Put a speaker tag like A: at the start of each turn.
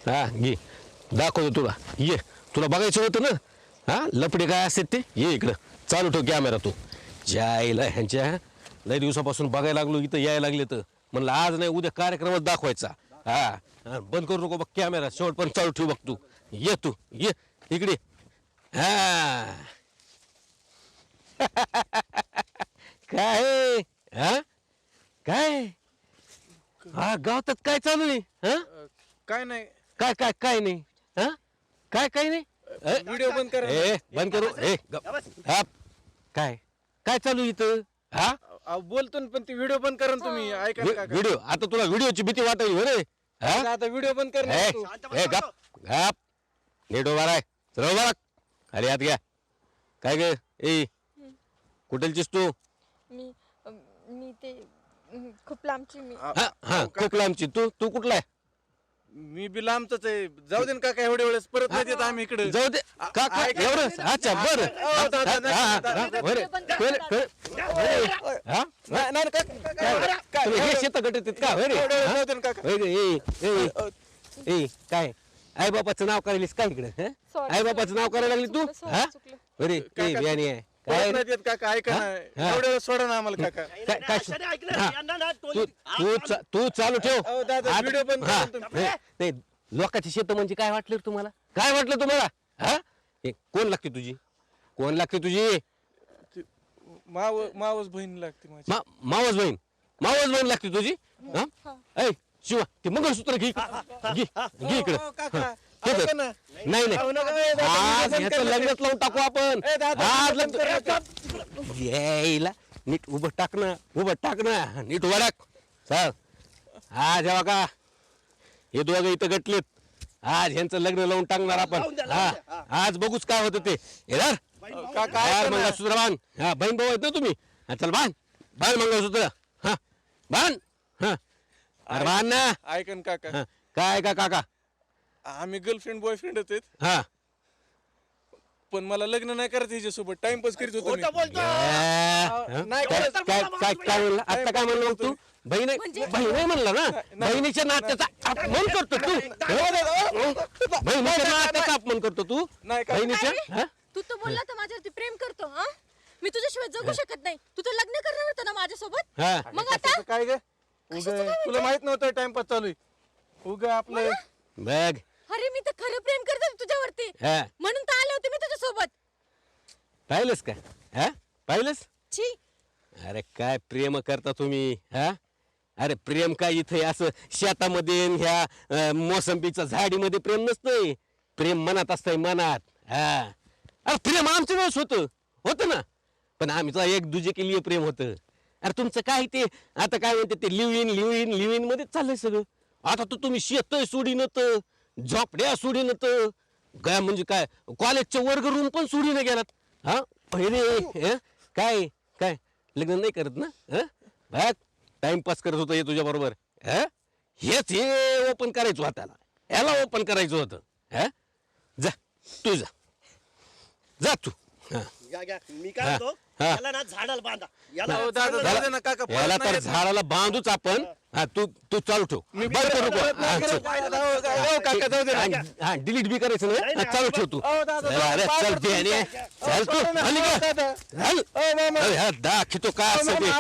A: हा घे दाखवतो तुला ये तुला बघायचं होतं ना हा लपडे काय असतात ते ये इकडं चालू ठेव कॅमेरा तू जायला ह्यांच्या लय दिवसापासून बघायला लागलो इथं यायला लागले तर म्हणलं आज नाही उद्या कार्यक्रमात दाखवायचा हा बंद करू नको बघ कॅमेरा शेवट पण चालू ठेव बघ तू ये इकडे हा काय हा काय हा गावात काय चालू आहे हा
B: काय नाही
A: काय काय काय नाही हा काय नाही
B: व्हिडिओ बंद करा
A: ए बंद करू ए हा काय काय चालू इथं हा
B: बोलतो ना, पण ती व्हिडिओ बंद करा ना तुम्ही ऐका ना काका.
A: व्हिडिओ आता तुला व्हिडिओची भीती वाटली हो रे हा
B: आता व्हिडिओ बंद कर ना
A: ए
B: तू.
A: ए गप गप नीट उभा राय चल उभा राह खाली हात घ्या काय ग ए कुठलचीस तू
C: मी मी ते खूप लांबची मी
A: हा हा खूप लांबची तू कुठला आहे
B: मी बी लांबच आहे. जाऊ दे ना काका एवढ्या वेळेस परत नाही येत आम्ही इकडे.
A: जाऊ दे का का
B: ऐका.
A: एवढं अच्छा बरं
B: हो, दादा,
A: हा,
B: दादा,
A: हा,
B: दादा.
A: बरं. हा?
B: नाही, नाही, काका, काय
A: तुम्ही हे शेत गटत आहेत का होय रे
B: एवढ्या वेळेस
A: हा?
B: जाऊ दे ना काका.
A: होय रे, ए काय आई बापाचं नाव करायलीस काय इकडे
C: Sorry,
A: आई बापाचं नाव करायला लागली तू
C: चुकलं,
A: हा
C: चुकलं.
A: बरे
B: काका,
A: बियाणी आहे
B: परत
A: काय
B: नाही येत काका ऐका
A: हा?
B: ना
A: हा.
B: एवढ्या वेळेस सोडा ना आम्हाला काका.
A: तू चालू ठेव
B: अहो, दादा,
A: आता-
B: व्हिडिओ बंद
A: हा,
B: करा तुम्ही.
A: नाही लोकांची शेत म्हणजे काय वाटलं रे तुम्हाला काय वाटलं तुम्हाला हा हे कोण लागते तुझी कोण लागते तुझी
B: ती मावस बहीण लागते माझी.
A: मावस बहीण लागते तुझी हा ऐ शिवा ते मंगळसूत्र घे घे इकडे
B: हो, काका, ऐका ना.
A: नाही
B: अहो, नका,
A: नाही
B: ए, दादा,
A: आज
B: बंद
A: ह्याचं
B: कर.
A: लग्नच लावून टाकू आपण
B: ए, दादा,
A: आज
B: बंद कर,
A: लग्न यायला नीट उभं टाक ना नीट उभं टाक चल हा जेव्हा का हे दोघं इथं गटलेत आज ह्यांचं लग्न लावून टाकणार आपण हा आज बघूच काय होतं ते येणार
B: काका ऐका ना.
A: मंगळसूत्र बांध हा बहीण भाऊ आहेत ना तुम्ही हा चल बांध मंगळसूत्र हा बांध हा अरे बांध ना
B: ऐका ना काका
A: हा, काय का काका
B: आम्ही गर्लफ्रेंड बॉयफ्रेंडच आहेत,
A: हा
B: पण मला लग्न नाही करायचं हिच्यासोबत टाइमपास करीत होतो मी. नाही
A: काय
B: करत.
A: काय काय काय म्हणलं आता काय म्हणलं मग तू बहीण आहे म्हणला ना बहिणीच्या नात्याचा अपमान करतो तू बहिणीच्या नात्याचा अपमान करतो तू
B: नाही का?
A: बहिणीच्या
C: अरे,
A: हा?
C: तू तर बोलला तर माझ्यावरती प्रेम करतो हा मी तुझ्याशिवाय जगू शकत नाही तू तर लग्न करणार होता ना माझ्यासोबत
A: हा
C: मग आता
B: काय ग तुला माहित नव्हतं टाइमपास चालू आहे उग आपलं
A: बघ
C: अरे मी तर खरं प्रेम करते तुझ्यावरती
A: हा
C: म्हणून तर आले होते मी तुझ्यासोबत
A: पाहिलंस का हा पाहिलंस
C: छी
A: अरे काय प्रेम करता तुम्ही हा अरे प्रेम काय इथे असं शेतामध्ये न ह्या मोसंबीच्या झाडीमध्ये प्रेम नसतंय प्रेम मनात असतंय मनात हा अरे प्रेम आमचं वेळेस होतं ना पण आमचं एक दुजे के लिए प्रेम होतं अरे तुमचं काय ते आता काय म्हणते ते लिव्ह इन मध्येच चाललंय सगळं आता तर तुम्ही शेत सोडीनत झोपड्या सोडीनत काय म्हणजे काय कॉलेजचे वर्ग रूम पण सोडीनं गेलात हा पहिले काय काय लग्न नाही करत ना बघ टाइमपास करत होतं हे तुझ्या बरोबर हेच हे ओपन करायचं होतं त्याला याला ओपन करायचं होतं जा तू जा तू हा
D: मी काय म्हणतो
A: हा.
D: याला ना झाडाला बांधा याला
B: अहो, दादा,
D: चांगलं
B: दादा ना काका परत
A: याला
B: नाही
A: तर
B: येत.
A: झाडाला बांधूच आपण हा तू चालू ठेव बंद करू नको.
B: परत नाही
A: हा,
B: करत.
A: चल.
B: अहो, काका जाऊ दे ना.
A: हा डिलीट बी करायचं
D: नाही,
A: नाही
D: नाही,
A: हा, चालू ठेव तू
B: अहो, दादा,
A: चल, अरे
B: पाय
A: चल
B: पडतो
A: बियाणे.
B: तुमचा.
A: चल तू
B: सोडा ना.
A: खाली
B: अहो,
A: घे.
B: दादा.
A: चल.
B: अहो, मामा.
A: अरे, हा दाखवतो का असं ते